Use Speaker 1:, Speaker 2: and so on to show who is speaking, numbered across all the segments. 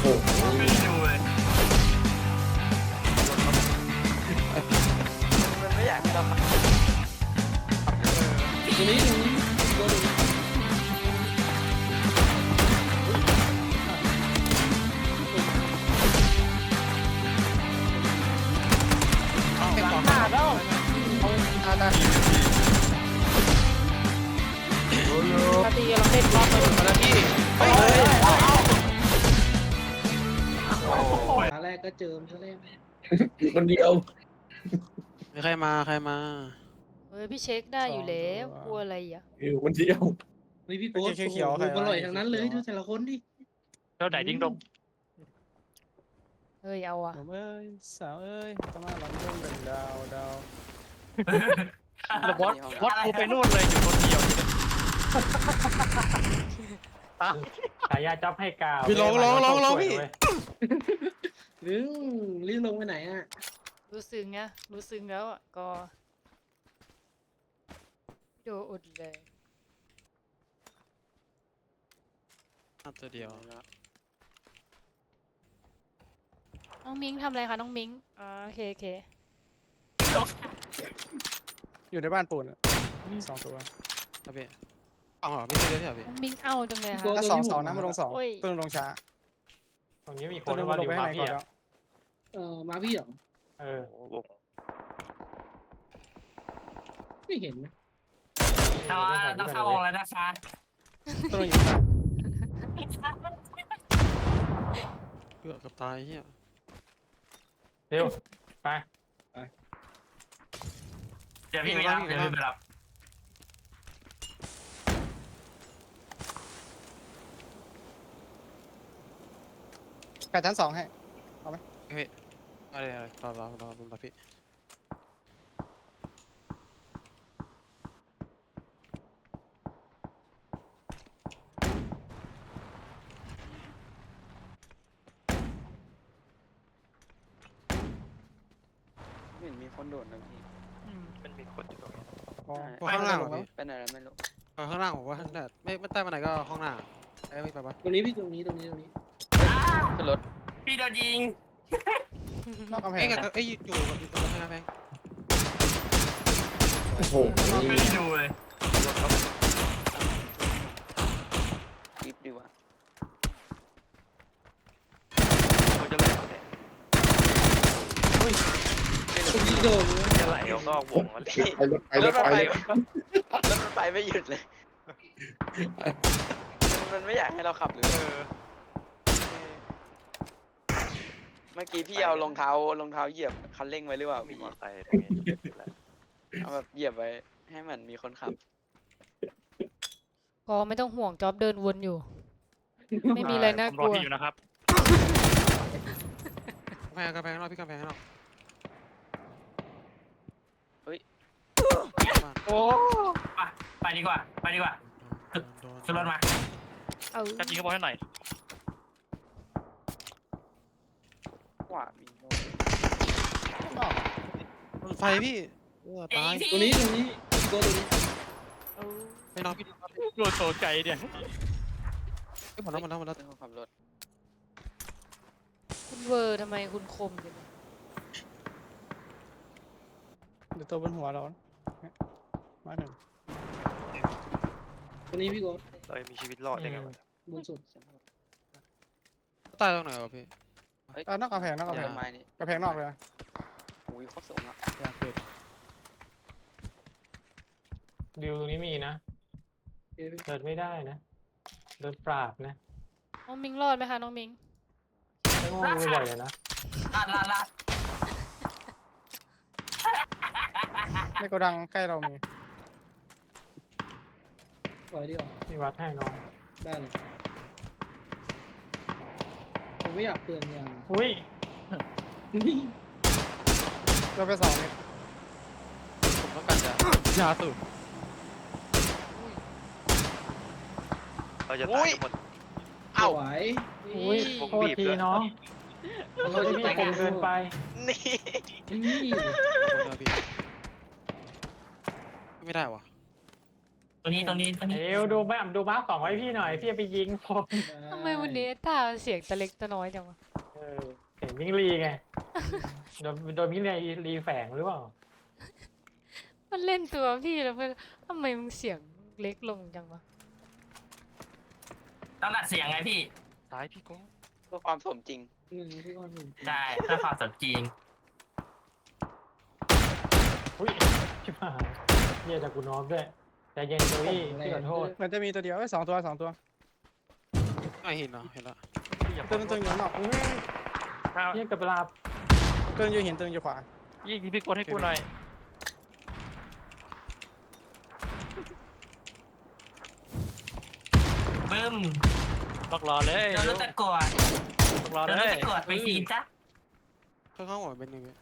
Speaker 1: โห
Speaker 2: ไม่ดูเลยมันไม่อยากให้เราขับ
Speaker 1: ตรงนี้ตัวหนึ่ง
Speaker 3: หลังขาดแล้วเอาตาตีเราเล่นบล็อกเลย
Speaker 4: มาแล้วพี่
Speaker 1: ตาแรกก็เจิมซะแล้ว
Speaker 4: คนเดียว
Speaker 5: มีใครมา
Speaker 3: เฮ้ยพี่เช็คได้อยู่แล้วกลัวอะไรอ่ะ
Speaker 4: อยู่คนเดียว
Speaker 1: นี่พี่โก้เขียวอร่อยทั้งนั้นเลยดูแต่ละคนดิ
Speaker 2: เท่าไหนดิ้งดง
Speaker 3: เฮ้ยเอาอ่ะ
Speaker 6: ผมเอ้ยสาวเอ้ยเข้ามาหลังเรื่องเป็นดาว
Speaker 2: แล้วบอสกูไปนู่นเลยอยู่คนเดียว
Speaker 6: ฉายาจับให้กาว
Speaker 5: พี่ร้องพี่
Speaker 1: ลึงรีบลงไปไหนอ่ะ
Speaker 3: รู้สึกไงรู้สึกแล้วอ่ะก็โดนอุดเลย
Speaker 5: ตัวเดียว
Speaker 3: น้องมิงทำอะไรคะน้องมิงโอเค
Speaker 6: อยู่ในบ้านปูนสองตัว
Speaker 5: ครับพี่เอาเหรอพี่เดียวใช่ไหมพี่
Speaker 3: น้องมิงเอาจังเลยค่ะ
Speaker 6: ถ้าสองนะมาลงสองตัวลงช้า
Speaker 2: ตรงนี้มีค
Speaker 6: ตัวน นึงมาลงไปข้างในก่อนแล้ว
Speaker 1: มาพี่เหรอ
Speaker 2: เออ
Speaker 1: ไม่เห็นนะ
Speaker 2: ต้องเข้าออกแล้วนะคะ
Speaker 6: ตัวนึงอยู่ข้าง
Speaker 5: เกือบกับตายเฮีย
Speaker 2: เร็วไปเดี๋ยวพี่ไม่รับเดี๋ยวพี่ไม่รับ
Speaker 6: แปดชั้นสองให้
Speaker 5: อะไรรอพี่
Speaker 2: ไม่เห็นมีคนโดดนะพี่มันมีคนอยู่ตรงนี้
Speaker 5: ข้างล่างพี่
Speaker 2: ไปไหนแล้วไม่รู้
Speaker 5: ข้างล่างผมว่าไม่ใต้มาไหนก็ห้องหน้าไอ้ไม่ไปปะ
Speaker 1: ตรงนี้พี่ตรงนี้
Speaker 2: ขึ้นรถพี่โดนยิง
Speaker 6: นอกกำแพ
Speaker 5: เอ้
Speaker 6: ง
Speaker 5: ยอยู่กับตรงนั้นแพง
Speaker 4: โอ้โห
Speaker 2: ไม่ดูเลยรีบดีกว่าเขาจะไหลเขาเนี่ย
Speaker 1: พี่โดน
Speaker 2: จะไหลออกนอกวงแล้ว
Speaker 4: รถไป
Speaker 2: รถมันไปไม่หยุดเลย มันไม่อยากให้เราขับหรือเมื่อกี้พี่เอารองเท้าเหยียบคันเร่งไว้หรือเปล่าพี่เอาแบบเหยียบไว้ให้มันมีคนขับ
Speaker 3: ก็ไม่ต้องห่วงจ็อบเดินวนอยู่ ไม่มีอะไรน่ากลัว
Speaker 2: อยู่นะครับ
Speaker 5: กำแพงนอกพี่กำแพงนอก
Speaker 2: โอ้ไปดีกว่าขึ้นรถมา
Speaker 3: เอา
Speaker 2: จับยิงกระบอกให้หน่อยขวามี
Speaker 5: ไฟพี่ตาย
Speaker 1: ตรงนี้ตัวนี้
Speaker 3: เอา
Speaker 5: ไม่นอนพี่
Speaker 2: โดนโซใจเนี่ย
Speaker 5: หมดแล้ว
Speaker 2: ขับรถ
Speaker 3: คุณเวอร์ทำไมคุณคมจัง
Speaker 6: เดี๋ยวตัวบนหัวเรามาหนึ่ง
Speaker 1: ตรงนี้พี่โก้
Speaker 2: เรามีชีวิตรอดได้ไงวะ
Speaker 1: บนสุด
Speaker 5: ตายตรงไหนวะพี่
Speaker 6: นอกกำแพง
Speaker 2: ไม้นี่
Speaker 6: กำแพงนอกเลย
Speaker 2: อุ้ยโคตรสูงอ่ะ
Speaker 7: ดิวตรงนี้มีนะเดินไม่ได้นะเดินปราบนะ
Speaker 3: น้องมิงรอดไหมคะน้องมิง
Speaker 7: ไม่ง่วงบ่อยเลยนะ
Speaker 2: ลาด
Speaker 6: ในโกดังใกล้เรามี
Speaker 1: ปล่อยดีกว่า
Speaker 7: มีวัดให้น้อง
Speaker 1: ได้เลยผมไม่อยากเปลืองอย่าง
Speaker 7: อุ้ย
Speaker 6: เราไปสองเมตร
Speaker 5: ผมต้องการยาสูบ
Speaker 2: เราจะตายหมด
Speaker 1: ไหว
Speaker 7: อุ้ยโทษทีน้องโทษที่พี่ผมเกินไป
Speaker 2: นี่
Speaker 1: นี่
Speaker 5: ไม่ได้วะ
Speaker 3: ตรงนี้
Speaker 7: เอวดูมาร์คสองไว้พี่หน่อยพี่จะไปยิงผม
Speaker 8: ทำไมวันนี้ตาเสียงตะเล็กตะน้อยจังวะ
Speaker 7: เห็นมิงลีไงโดนมิงลีแฝงหรือเปล่า
Speaker 8: มันเล่นตัวพี่แล้วเพื่อนทำไมมึงเสียงเล็กลงจังวะ
Speaker 3: ต้องดัดเสียงไงพี่
Speaker 5: ซ้ายพี่โก้
Speaker 2: เพื่อความสมจริง
Speaker 1: พี่ก้อนหนึ่ง
Speaker 3: ใช่ถ้าความสดจริง
Speaker 7: อุ้ยชิบหายเยี่ยจากกูน้อมด้วยใจเย็นโจวี่พี่ขอโทษ
Speaker 6: มันจะมีตัวเดียวสองตัว
Speaker 5: ไม่เห็นเหรอเห็นละ
Speaker 6: ตัวนึงอยู่นอก
Speaker 7: เยี่ยกับเวลา
Speaker 6: ตัวนึงอยู่หินตัวนึงอยู่ขวา
Speaker 5: ยิงพี่โก้ให้กูหน่อย
Speaker 3: บึ้ม
Speaker 5: ล็อกรอเลย
Speaker 3: โดนรถตะกรวด
Speaker 5: ล็อกรอ
Speaker 3: โดน
Speaker 5: เล
Speaker 3: รถ
Speaker 5: ย
Speaker 3: ตะกรวดไปทีจ้ะ
Speaker 5: ข้างหัวเป็นยังไง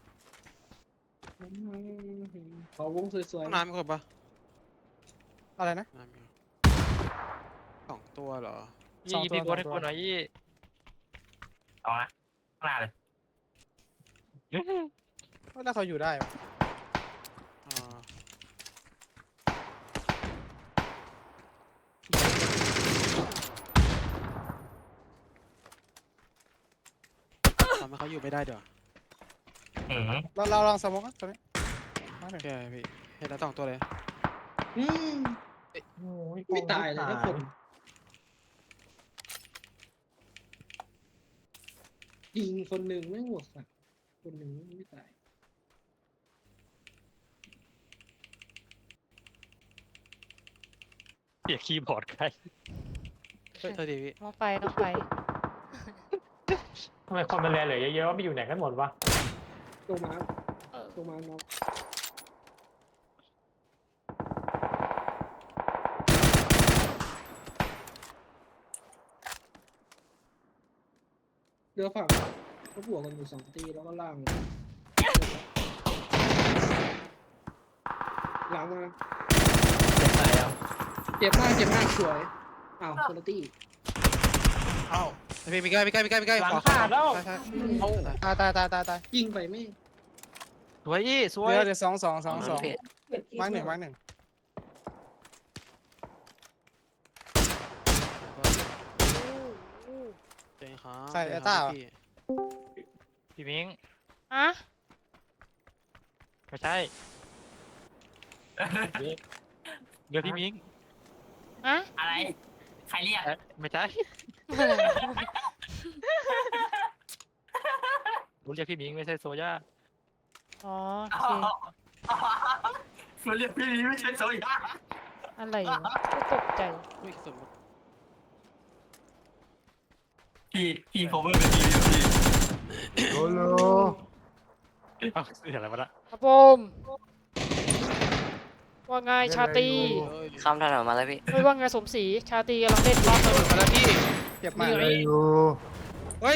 Speaker 1: ขอวงสวย
Speaker 5: ห้องน้ำมีคนปะ
Speaker 6: อะไรนะ
Speaker 5: น้ำมีสองตัวเหรอ
Speaker 6: สองตัวพี่โก้ให้กูหน่อย
Speaker 3: เอาละข้างหน้าเลย
Speaker 6: แล้วเขาอยู่ได้ปะ
Speaker 5: อ่าทำให้เขาอยู่ไม่ได้เดี๋ยว
Speaker 3: อืม
Speaker 6: เราลองสมองกันตัวนี้มาห
Speaker 5: โอ
Speaker 6: นึ่ง
Speaker 5: เคพี่เห็นแล้วสองตัวเลย
Speaker 1: ๆอืม
Speaker 7: โอ้ย
Speaker 1: ไม่ตายเลยนะคนยิงคนหนึ่งไม่หัวสัตว์คนหนึ่งไม่ตาย
Speaker 5: เสียคีย์บอร์ดใครเฮ้ยเธอดีพี่
Speaker 8: น้องไป
Speaker 7: ทำไมคนมันแลเหลือเยอะๆว่าไปอยู่ไหนกันหมดวะ
Speaker 1: ตัวมา
Speaker 8: เออ
Speaker 1: ตัวมาน้องเรือฝั่งก็บวกกันอยู่2 ตีแล้วก็ล่างหลังมาเจ็บมากสวยอ้าวคนละตี
Speaker 5: เอ้าพี่มีใกล้
Speaker 7: หลัง
Speaker 5: ขวา
Speaker 7: ขาดแล้ว
Speaker 5: ใช่
Speaker 6: ตาย
Speaker 1: ยิงไปไม่
Speaker 5: สวยยี่สวย
Speaker 6: เดี๋ยว2มาร์กหนึ่ง
Speaker 5: เจ๋งครับ
Speaker 6: ใส่ไอ้ต้าเหรอ
Speaker 5: พี่มิง
Speaker 8: อะ
Speaker 5: ไม่ใช่เดี๋ยวพี่มิง
Speaker 8: อะ
Speaker 3: อะไรใครเรียก
Speaker 5: ไม่ใช่รู้เรียกพี่มิงไม่ใช่โซย่า
Speaker 8: อ๋อ
Speaker 3: อ๋
Speaker 8: โอ
Speaker 3: อ
Speaker 8: เค
Speaker 3: มันเรียกพี่นี้ไม่ใช่โซยา
Speaker 8: อะไรวะก็ตกใจ
Speaker 5: อุ้ยสมมติ
Speaker 3: พี่เขาไม่เป็นทีมพี่
Speaker 5: เอ้าเสียอะไรมาละ
Speaker 8: ครับผมว่าไงชาตรี
Speaker 9: คำถนนมาแล้วพี่
Speaker 8: ไม่ว่าไงสมศรีชาตรีกำลังเล่นรอบสนุก
Speaker 5: มาแล้วพี่
Speaker 6: เจ็บมาก
Speaker 5: เฮ้ย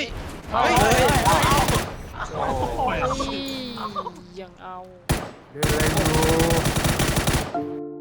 Speaker 8: ยังเอา
Speaker 9: เดินอยู่